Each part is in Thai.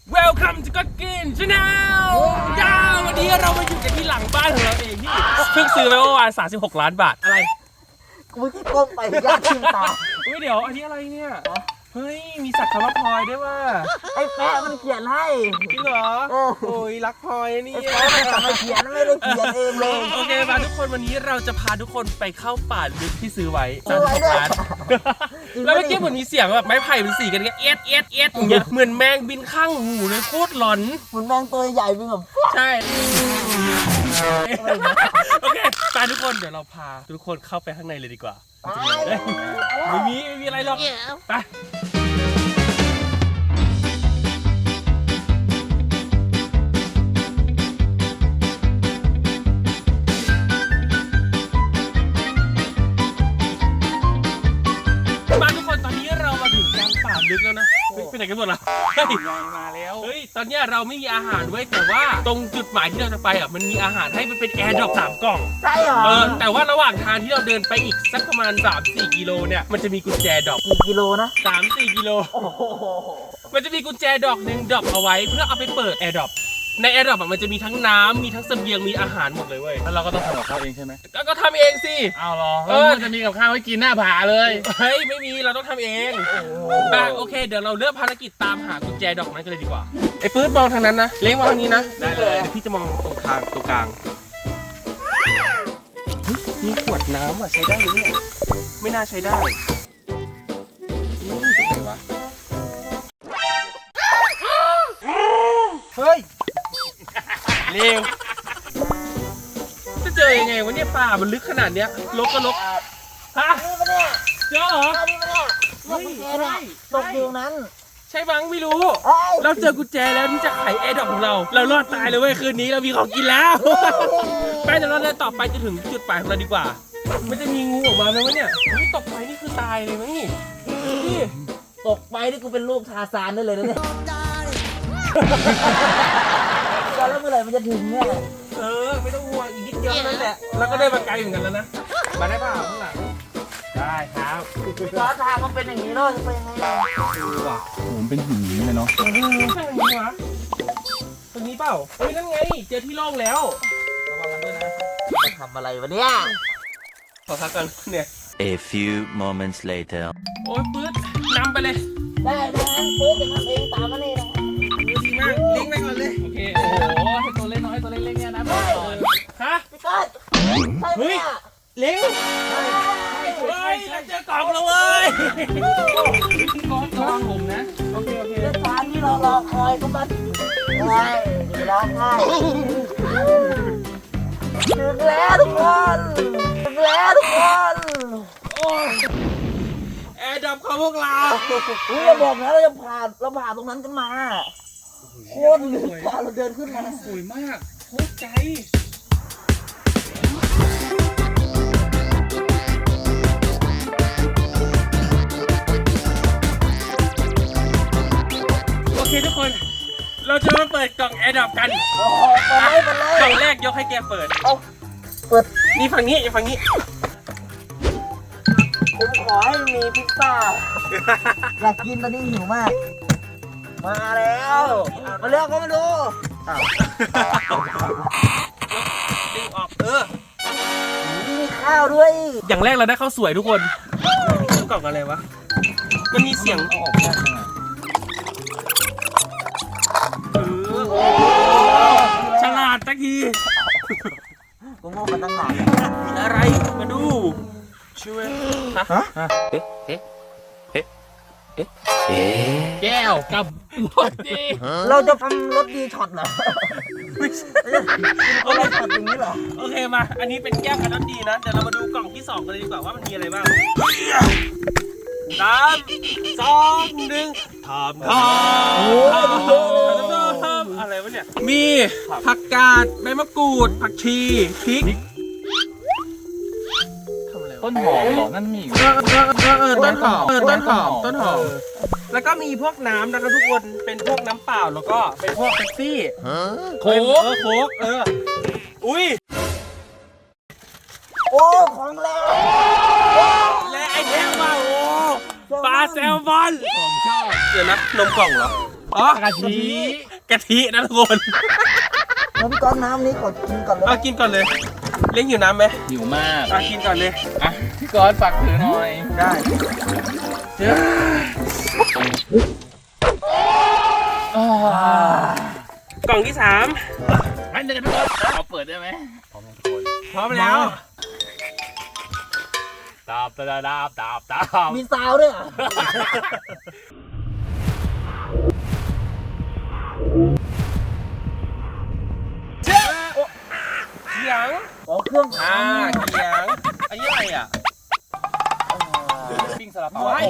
Welcome to God Green Channel วันนี้เรามาอยู่กันที่หลังบ้านของเราเองที่เพิ่งซื้อไปเมื่อวาน36 ล้านบาทอะไรกูที่ก้มไปยากชิมตาเดี๋ยวอันนี้อะไรเนี่ยเฮ้ยมีสัตว์คำว่าพลอยด้วยว่าไอ้แป๊ะมันเขียนให้จริงเหรอโอ้ยรักพลอยนี่ไอ้แป๊ะมันเขียนไม่ได้เขียนเองเลยโอเคมาทุกคนวันนี้เราจะพาทุกคนไปเข้าป่าลึกที่ซื้อไว้36 ล้านแล้วเมื่อกี้เหมือนมีเสียงแบบไม้ไผ่เป็นสีกันเงี้ยเอียดอย่างเงี้ยเหมือนแมงบินข้างหูเลยโคตรหลอนเหมือนแมงตัวใหญ่เป็นแบบใช่โอเคไปทุกคนเดี๋ยวเราพาทุกคนเข้าไปข้างในเลยดีกว่าไม่มีอะไรหรอกไปมาทุกคนตอนนี้เรามาถึงกลางป่าลึกแล้วนะไปไหนกันหมดล่ะมาแล้วเฮ้ยตอนนี้เราไม่มีอาหารไว้แต่ว่าตรงจุดหมายที่เราจะไปอ่ะมันมีอาหารให้มันเป็นแอร์ดรอป3 กล่องใช่เหรอแต่ว่าระหว่างทางที่เราเดินไปอีกสักประมาณ 3-4 กิโลเนี่ยมันจะมีกุญแจดอกกี่กิโลนะ 3-4 กิโลมันจะมีกุญแจดอกหนึ่งดอกเอาไว้เพื่อเอาไปเปิดแอร์ดรอปในแอร์ดรอปมันจะมีทั้งน้ำมีทั้งเสบียงมีอาหารหมดเลยเว้ยแล้วเราก็ต้องทำกับข้าวเองใช่ไหมก็ทำเองสิเอาหรอมันจะมีกับข้าวให้กินหน้าผาเลยเฮ้ยไม่มีเราต้องทำเองโอเคเดี๋ยวเราเริ่มภารกิจตามหากุญแจดอกนั้นกันเลยดีกว่าไอ้ปื๊ดมองทางนั้นนะเล้งมองทางนี้นะได้เลยพี่จะมองตรงกลางมีขวดน้ำอ่ะใช้ได้ไหมเนี่ยไม่น่าใช้ได้นี่ตรงไหนวะเฮ้ยเร็วจะเจอยังไงวะเนี่ยป่ามันลึกขนาดเนี้ยลกก็ลกฮะเจอเหรอเฮ้ยตกอยู่นั้นใช่บังไม่รู้เราเจอกุญแจแล้วที่จะไขแอร์ดรอปของเรารอดตายเลยเว้ยคืนนี้เรามีของกินแล้วไปเดี๋ยวเราเดินต่อไปจะถึงจุดหมายของเราดีกว่ามันจะมีงูออกมาไหมวะเนี่ยไม่ตกไปนี่คือตายเลยมั้งนี่ตกไปนี่กูเป็นลูกทาซานได้เลยนะเนี่ยแล้วเมื่อไหร่มันจะถึงเนี่ยไม่ต้องห่วงอีกนิดเดียวนั่นแหละแล้วก็ได้มาไกลเหมือนกันแล้วนะมาได้เปล่าข้างหลังได้ครับล้อทางมันเป็นอย่างนี้เนาะจะเป็นยังไงว่ะผมเป็นหินเลยเนาะใช่อย่างนี้วะตรงนี้เปล่าเฮ้ยนั่นไงเจอที่โล่งแล้วระวังกันด้วยนะจะทำอะไรวะเนี่ยขอพักกันเนี่ย A few moments later โอ้ยปื๊ดนำไปเลยได้ปื๊ดจะทำเองตามมาเลยนะดีมากเลี้ยงไปก่อนเลยโอเคโอ้โหให้ตัวเล็กน้อยตัวเล็กๆเนี่ยนะฮะพี่ก้อนเฮ้ยเลี้ยงเฮ้ยเราเจอกล่องแล้วเว้ยก้อนผมนะโอเคเรื่องการที่เรารอคอยก็มาใช่ร้องไห้ถึงแล้วทุกคนแอร์ดับของพวกเราเราบอกนะเราจะผ่านตรงนั้นกันมาโคตรลึกเราเดินขึ้นมาสวยมากโคตรใจโอเคทุกคนเราจะมาเปิดกล่องแอร์ดับกันกล่องแรกยกให้แกเปิดนี่ฝั่งนี้ฝั่งนี้ผมขอให้มีพิซซ่าอยากกินตอนนี้หิวมากมาแล้วมาเลือกก็มาดูดึงออกมีข้าวด้วยอย่างแรกเราได้ข้าวสวยทุกคนกล่องอะไรวะมันมีเสียงออกฉลาดตะกี้กูโง่มาตั้งนานมีอะไรมาดูช่วยฮะแก้วกับรถดีเราจะทำรถดีช็อตเหรอไม่ใช่เอารถช็อตอย่างนี้เหรอโอเคมาอันนี้เป็นแก้วกับรถดีนะเดี๋ยวเรามาดูกล่องที่2กันเลยดีกว่าว่ามันมีอะไรบ้าง3 2 1ทำอะไรวะเนี่ยมีผักกาดใบมะกรูดผักชีพริกต้นหอมเหรอนั่นมีต้นหอมแล้วก็มีพวกน้ำนะครับทุกคนเป็นพวกน้ำเปล่าแล้วก็เป็นพวกเป๊ปซี่โค้กอุ้ยโอ้ของแล้วและไอเทมว่าโอ้ปลาแซลมอนผมชอบเดี๋ยวนะนมกล่องเหรออ๋อกะทิกะทินะทุกคนแล้วพี่ก้อนน้ำนี้กดกินก่อนเลยเอากินก่อนเลย เลี้ยงหิวน้ำไหมหิวมากกินก่อนเลยอ่ะพี่ก๊อตฝากถือหน่อยได้กล่องที่3 งั้นเดี๋ยวพี่ก๊อตเอาเปิดได้ไหมพร้อมยังทุกคนพร้อมแล้วตาบมีซาวด้วยเหรอเขียงอ๋อเครื่องเขียง อันนี้อะไรอ่ะปิ้งสลับไว้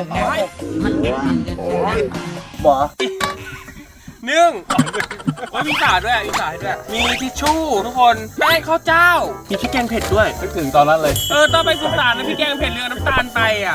บ่อนึ่งว่ามีสาดด้วยมีสาดด้วย มีทิชชู่ทุกคนแป้งข้าวเจ้า มีพริกแกงเผ็ดด้วยนึกถึงตอนนั้นเลยต้องไปสุสานนะพี่แกงเผ็ดเรือน้ำตาลไปอ่ะ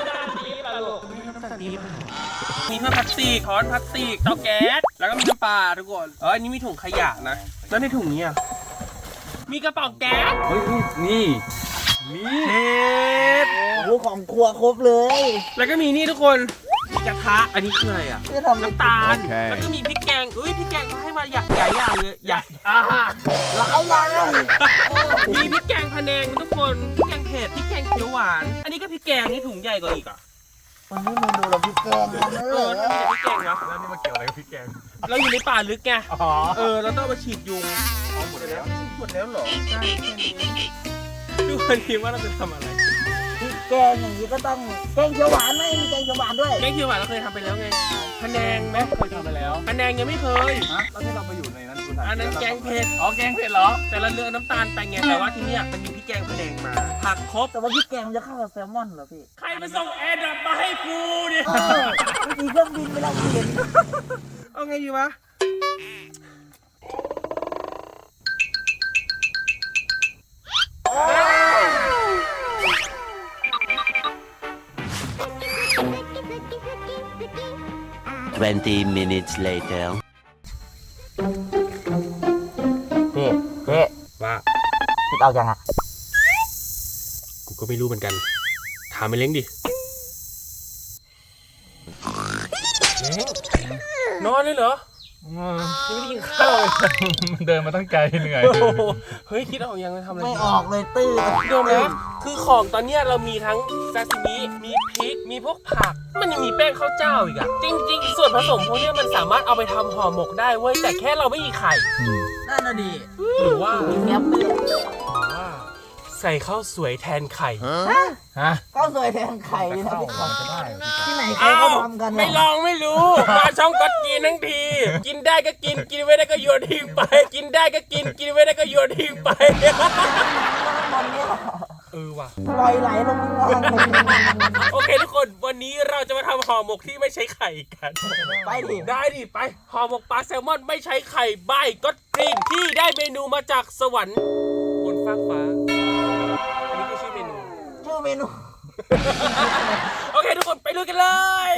มีเพื่อนพลาสติกช้อนพลาสติกเตาแก๊ส แล้วก็มีน้ำปลาทุกคน อันนี้มีถุงขยะนะ แล้วในถุงนี้อ่ะ มีกระป๋องแก๊สเฮ้ยนี่เห็ดโอ้ของครัวครบเลยแล้วก็มีนี่ทุกคนกระทะ อันนี้คืออะไรอ่ะที่ทำน้ำตาล แล้วก็มีพริกแกงพริกแกงเขาให้มาใหญ่อย่างเลยใหญ่หลายอย่างมีพริกแกงพะแนงทุกคนพริกแกงเผ็ดพริกแกงเขียวหวาน อันนี้ก็พริกแกงนี่ถุงใหญ่กว่าอีกอ่ะวันนี้เมนูเราพริกแกงนะทำไมแต่พริกแกงวะแล้วนี่มาเกี่ยวอะไรกับพริกแกงเราอยู่ในป่าลึกไงอ๋อเราต้องมาฉีดยุงหมดแล้วหมดแล้วเหรอใช่แค่นี้ทุกคนคิดว่าเราจะทำอะไรพริกแกงอย่างนี้ก็ต้องแกงเขียวหวานไหมมีแกงเขียวหวานด้วยแกงเขียวหวานเราเคยทำไปแล้วไงพะแนงไหมเคยทำไปแล้วพะแนงยังไม่เคยฮะแล้วที่เราไปอยู่ในนั้นคุณถ่ายอันนั้นแกงเผ็ดอ๋อแกงเผ็ดเหรอแต่เราเลือกน้ำตาลไปไงแต่ว่าที่เนี่ยมันมีพริกแกงพะแนงมาผักครบแต่ว่าพริกแกงมันจะเข้ากับแซลมอนเหรอพี่ใครมาส่งแอร์ดรอปมาให้กูเนี่ยไม่มีเครื่องบินไม่ได้เห็นเอาไงดีวะ 20 minutes later. พี่พี่ว่าคิดเอายังอ่ะกูก็ไม่รู้เหมือนกัน ถามไปเล้งดิเล้งนอนเลยเหรอยังไม่ได้กินข้าวเลยมันเดินมาตั้งไกลเหนื่อยโอ้โหเฮ้ยคิดออกยังจะทำอะไรไม่ดีออกเลยตื้อโดมนะคือของตอนเนี้ยเรามีทั้งซาซิมิมีพริก มีพวกผัก มันยังมีแป้งข้าวเจ้าอีกอะจริง ๆ ส่วนผสมพวกเนี้ยมันสามารถเอาไปทำห่อหมกได้เว้ย แต่แค่เราไม่มีไข่นั่นน่ะดิหรือว่าแง้มเลยใส่ข้าวสวยแทนไข่ฮะข้าวสวยแทนไข่เลยนะพี่มันจะได้เหรอพี่ก๊อตที่ไหนเขาก็ทำกันไม่ลองไม่รู้ มาช่องก็กินทั้งที กินได้ก็กิน กินไม่ได้ก็โยนทิ้งไป กินได้ก็กิน กินไม่ได้ก็โยนทิ้งไปมันเนี่ยว่ะปล่อยไหลลงมาโอเคทุกคน วันนี้เราจะมาทำห่อหมกที่ไม่ใช้ไข่กันไปดิได้ดิไปห่อหมกปลาแซลมอนไม่ใช้ไข่ใบก็กรีนที่ได้เมนูมาจากสวรรค์บนฟากฟ้า อันนี้คือชื่อเมนูชื่อเมนูโอเคทุกคนไปลุยกันเลย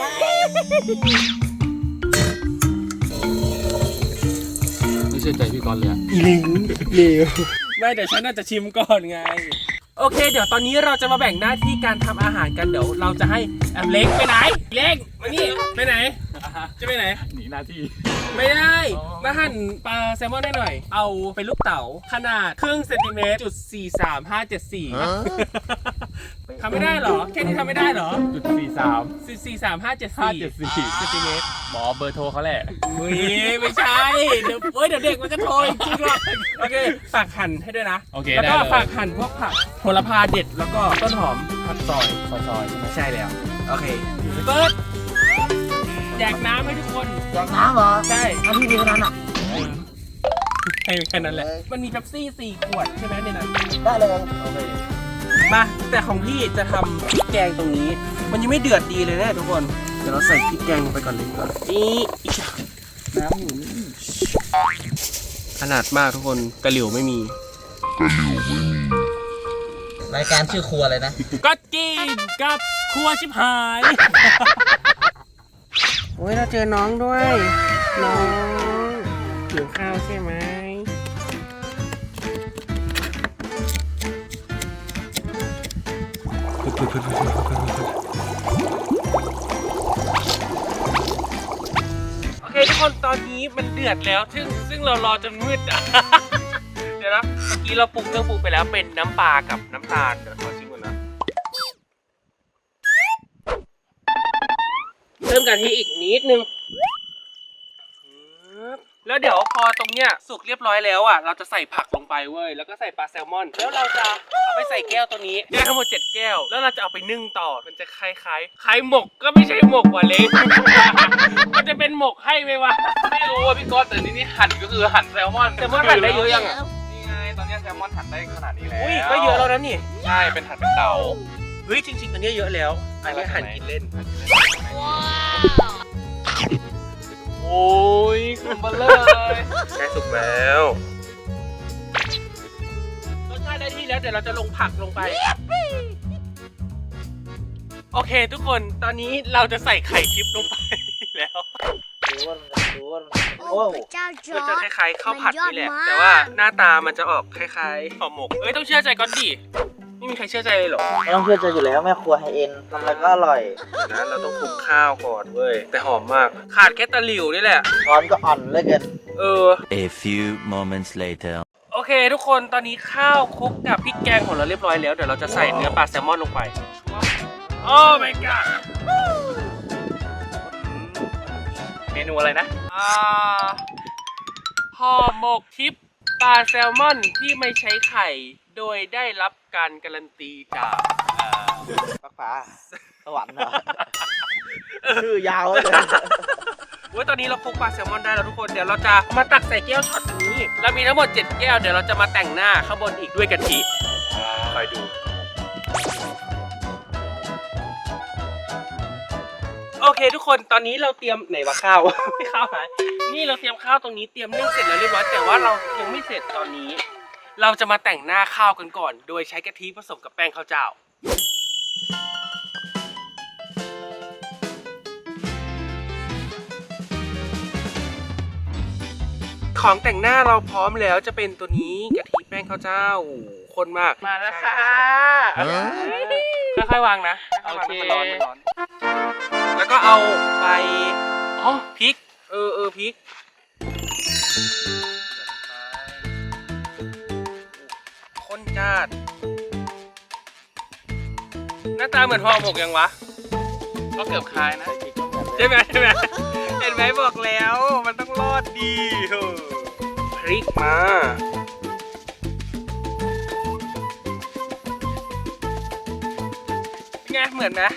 ไม่เชื่อใจพี่ก๊อตเลยอะไม่เดี๋ยวฉันน่าจะชิมก่อนไง โอเค เดี๋ยวตอนนี้เราจะมาแบ่งหน้าที่การทำอาหารกันเดี๋ยวเราจะให้เล็กไปไหน เล็กมานี่ไปไหน จะไปไหนหนีหน้าที่ไม่ได้ มาหั่นปลาแซลมอนได้หน่อย เอาเป็นลูกเต๋าขนาดครึ่งเซนติเมตรจุด43574ทำไม่ได้เหรอ แค่นี้ทำไม่ได้เหรอจุด43574 43574เซนติเมตรหมอเบอร์โทรเขาแหละไม่ใช่ เดี๋ยวเด็กมันก็โทรจริงๆหรอกโอเคฝากหั่นให้ด้วยนะโอเคแล้วก็ได้เลยฝากหั่นพวกผักโหระพาเด็ดแล้วก็ต้นหอมผักซอยซอยๆใช่ไหมใช่แล้ว โอเคเปิดแจกน้ำให้ทุกคนแจกน้ำเหรอใช่เอาพี่ดีคนนั้นอ่ะให้แค่นั้นแหละ มันมีเป๊ปซี่4 ขวดใช่ไหมในนั้นได้เลยโอเค มาแต่ของพี่จะทำพริกแกงตรงนี้ มันยังไม่เดือดดีเลยนะทุกคน เดี๋ยวเราใส่พริกแกงลงไปก่อนเลยดีกว่านี่อีกน้ำอยู่นี่ขนาดมากทุกคนกระหลิวไม่มีรายการชื่อครัวเลยนะก็กินกับครัวชิบหาย โอ้ยเราเจอน้องด้วย น้องหิวข้าวใช่ไหมนี้มันเดือดแล้วซึ่งเรารอจนมืดอ่ะ เดี๋ยวนะเมื่อกี้เราปรุงเครื่องปรุงไปแล้วเป็นน้ำปลากับน้ำตาลเดี๋ยวขอชิมก่อนนะเพิ่มกะทิอีกนิดนึงแล้วเดี๋ยวพอตรงเนี้ยสุกเรียบร้อยแล้วอ่ะเราจะใส่ผักลงไปเว้ยแล้วก็ใส่ปลาแซลมอนแล้วเราจะเอาไปใส่แก้วตัวนี้ได้ทั้งหมด7แก้วแล้วเราจะเอาไปนึ่งต่อมันจะคล้ายหมกก็ไม่ใช่หมกว่ะเล้ง มันจะเป็นหมกให้ไหมวะไม่รู้ว่าพี่ก๊อตแต่นี่หั่นก็คือหั่นแซลมอนแซลมอนหั่นได้เยอะยังอ่ะนี่ไงตอนนี้แซลมอนหั่นได้ขนาดนี้แล้วอุ้ยก็เยอะแล้วนะนี่ใช่เป็นหั่นเป็นเต๋าเฮ้ยจริงๆอันนี้เยอะแล้วอันนี้หั่นกินเล่นโอ้ยคุณเบลเลอร์เลยใกล้สุกแล้วรสชาติได้ที่แล้วเดี๋ยวเราจะลงผักลงไปโอเคทุกคนตอนนี้เราจะใส่ไข่ทิพย์ลงไปแล้วโอ้เจ้าจมันอจะร์คจล้ายๆข้าวผัดนี่แหละมันยอดมากแต่ว่าหน้าตามันจะออกคล้ายๆห่อหมกเอ้ยต้องเชื่อใจก่อนดิไม่มีใครเชื่อใจเลยเหรอไม่ต้องเชื่อใจอยู่แล้วแม่ครัวไฮเอ็นทำอะไรก็อร่อยเดี๋ยวนะเราต้องคลุกข้าวก่อนเว้ยแต่หอมมากขาดแค่ตะหลิวนี่แหละร้อนก็อ่อนเหลยเกิน A few moments later. โอเคทุกคนตอนนี้ข้าวคลุกกับพริกแกงของเราเรียบร้อยแล้วเดี๋ยวเราจะใส่เนื้อปลาแซลมอนลงไปโอ้ my god เมนูอะไรนะห่อหมกทิพย์ปลาแซลมอนที่ไม่ใช้ไข่โดยได้รับการการันตีจากปักฟ้าสวรรค์เหรอชื่อยาวเลยเว้ยตอนนี้เราคลุกปลาแซลมอนได้แล้วทุกคนเดี๋ยวเราจะมาตักใส่แก้วช็อตนี้เรามีทั้งหมด7แก้วเดี๋ยวเราจะมาแต่งหน้าข้างบนอีกด้วยกะทิคอยดูโอเคทุกคนตอนนี้เราเตรียมไหนวะข้าว ไม่ข้าวหายนี่เราเตรียมข้าวตรงนี้เตรียมนึ่งเสร็จแล้วเรียบร้อยแต่ว่าเรายังไม่เสร็จตอนนี้ เราจะมาแต่งหน้าข้าวกันก่อน โดยใช้กะทิผสมกับแป้งข้าวเจ้าของแต่งหน้าเราพร้อมแล้วจะเป็นตัวนี้กะทิแป้งข้าวเจ้าโอ้โหข้นมากมาแล้วค่ะค่อยๆวางนะโอเคมันร้อนแล้วก็เอาไปอ๋อพริกพริกข้นจัดหน้าตาเหมือนห่อหมกยังวะก็เกือบคล้ายนะใช่ไหมเห็นไหมบอกแล้วมันต้องรอดดีพริกมาเป็นไงเหมือนไหม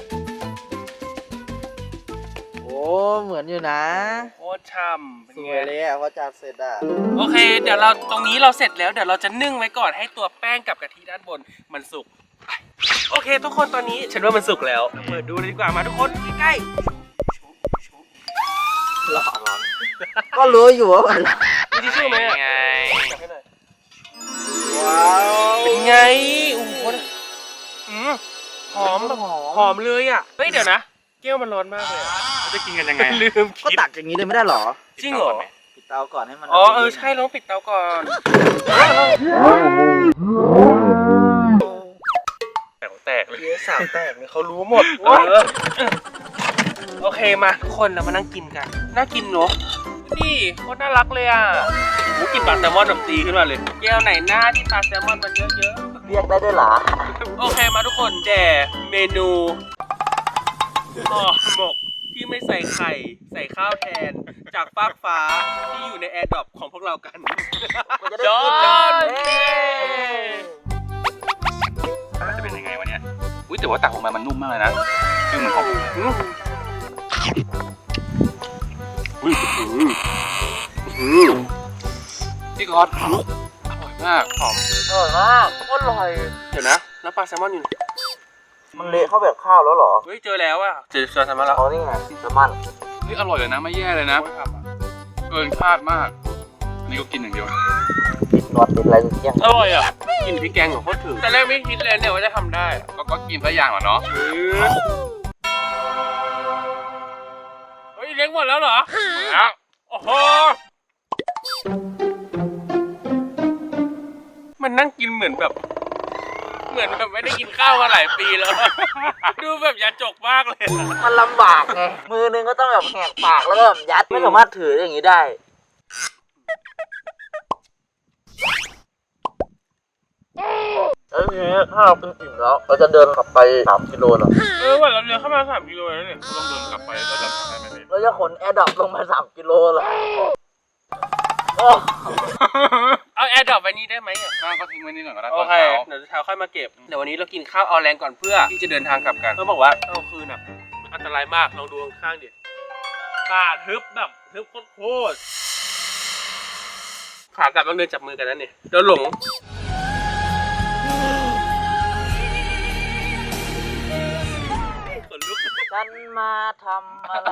โอ้เหมือนอยู่นะโคตรช่ำเป็นสไงวยเลยอ่ะพอจัดเสร็จอ่ะโอเคเดี๋ยวเราตรงนี้เราเสร็จแล้วเดี๋ยวเราจะนึ่งไว้ก่อนให้ตัวแป้งกับกะทิด้านบนมันสุกโอเคทุกคนตอนนี้ฉันว่ามันสุกแล้วเปิดดูเลยดีกว่ามาทุกคนใกล้ก็รู้อยู่ว่ามันๆมีทิชชู่ไหมอะไงว้าวเป็นไงโอ้โหหอมแบบหอมเลยอ่ะเฮ้ยเดี๋ยวนะแก้วมันร้อนมากเลยอะเราจะกินกันยังไงลืมก็คิดตักอย่างนี้เลยไม่ได้หรอจริงเหรอปิดเตาก่อนให้มันอ๋อใช่เราต้องปิดเตาก่อนแตกเลยสาวแตกเลยเขารู้หมดโอเคมาทุกคนเรามานั่งกินกันน่ากินเนอะนี่โคตรน่ารักเลยอ่ะโอ้กินปลาแซลมอนแบบตีขึ้นมาเลยแก้วไหนหน้าที่ปลาแซลมอนมันเยอะเรียกได้ด้วยเหรอๆโอเคมาทุกคนแด่เมนูห่อหมกที่ไม่ใส่ไข่ใส่ข้าวแทนจากฟากฟ้าที่อยู่ในแอร์ดรอปของพวกเรากันจอจะเป็นยังไงวะเนี่ย อุ้ยแต่ว่าตักออกมามันนุ่มมากเลยนะคือเหมือนหอมอุ้ยพี่ก๊อตอร่อยมากหอมอร่อยมากโคตรอร่อยเดี๋ยวนะแล้วปลาแซลมอนอยู่ไหนมันเละเข้าแบบข้าวแล้วเหรอเฮ้ยเจอแล้วอะเจอปลาแซลมอนแล้วเขานี่ไงแซลมอนเฮ้ยอร่อยเลยนะไม่แย่เลยนะ เกินคาดมาก นี่ก็กินอย่างเดียวติดหนวดติดอะไรทุกอย่างอร่อยอะกินพริกแกงของโคตรถึงแต่แรกไม่คิดเลยเนี่ยว่าจะทำได้อะก็กินซะอย่างเหรอเนาะเฮ้ยเลี้ยงหมดแล้วเหรอแล้วโอ้โหมันนั่งกินเหมือนแบบเหมือนแบบไม่ได้กินข้าวมาหลายปีแล้ว ดูแบบยาจกมากเลยมันลำบากไงมือนึงก็ต้องแบบแหกปากแล้วก็แบบยัดไม่สามารถถืออย่างนี้ได้แล้วทีนี้ถ้าเราเป็นอิ่มแล้วเราจะเดินกลับไป3 กิโลหรอว่าเราเดินเข้ามา3 กิโลแล้วเนี่ยต้องเดินกลับไปแล้วจะทำได้ไหมเราจะขนแอร์ดรอปลงมา3 กิโลเหรอโอ้เอาแอร์ดรอปไว้นี้ได้ไหมอ่ะก็ทิ้งไว้นี่ก่อนก็ได้โอตอนเคเช้าเดี๋ยวเช้าค่อยมาเก็บเดี๋ยววันนี้เรากินข้าวเอาแรงก่อนเพื่อที่จะเดินทางกลับกันเขาบอกว่าเอาคืนอ่ะอันตรายมากลองดูข้างๆดิป่าทึบแบบทึบโคตรขากลับต้องเดินจับมือกันนั่นเนี่ยเดี๋ยวหลง ขนลุกฉันมาทำอะไร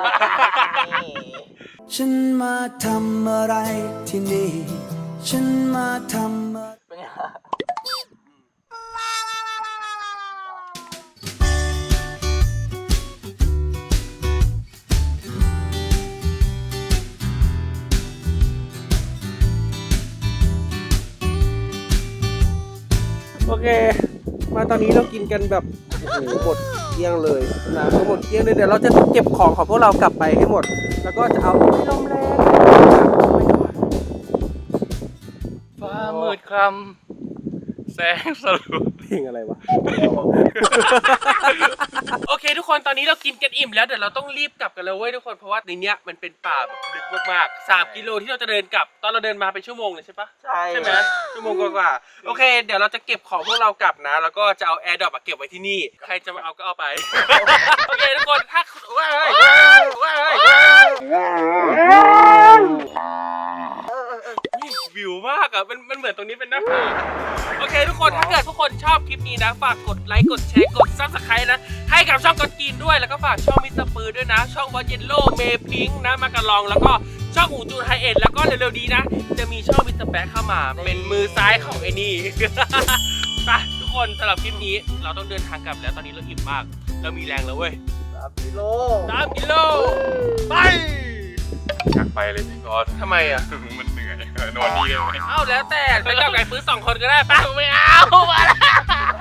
ฉันมาทำอะไรที่นี่ ฉันมาทำอะไรเป็นไงโอเค มาตอนนี้เรากินกันแบบโอ้โหหมดเกลี้ยงเลยนะก็หมดเกลี้ยงเลยเดี๋ยวเราจะเก็บของของพวกเรากลับไปให้หมด แล้วก็จะเอาไปลมแรงฟ้ามืดคำแสงสลัวเพลงอะไรวะ โอเคทุกคนตอนนี้เรากินกันอิ่มแล้วเดี๋ยวเราต้องรีบกลับกันแล้วเว้ยทุกคนเพราะว่าในเนี้ยมันเป็นป่าแบบลึกมากๆ3 กิโลที่เราจะเดินกลับตอนเราเดินมาเป็นชั่วโมงเลยใช่ปะ ใช่ไหมชั่วโมงกว่าๆโอเค เดี๋ยวเราจะเก็บของพวกเรากลับนะ แล้วก็จะเอาแอร์ดรอปเก็บไว้ที่นี่ ใครจะมาเอาก็เอาไป โอเคทุกคนถ้าวิวมากอ่ะมันเหมือนตรงนี้เป็นหน้าผาโอเคทุกคนถ้าเกิดทุกคนชอบคลิปนี้นะฝากกดไลค์กดแชร์กดซับสไครต์นะให้กับช่องกดกินด้วยแล้วก็ฝากช่องมิสเตอร์ปืนด้วยนะช่องวอเยนโลเมพิงนะมากระลองแล้วก็ช่องอูจูนไฮเอ็ดแล้วก็เร็วๆนี้นะจะมีช่องมิสเตอร์แป๊ะเข้ามาเป็นมือซ้ายของไอ้นี่ ไปทุกคนสำหรับคลิปนี้เราต้องเดินทางกลับแล้วตอนนี้เราอิ่มมากเรามีแรงแล้วเว้ย 3 กิโล 3 กิโลไปอยากไปเลยพี่กอล์ฟทำไมอ่ะมันเหนื่อยนอนดีเลยไหมเอ้าแล้วแต่ไปกับไก่ปื้อ2 คนก็ได้ปะไม่เอามาแล้ว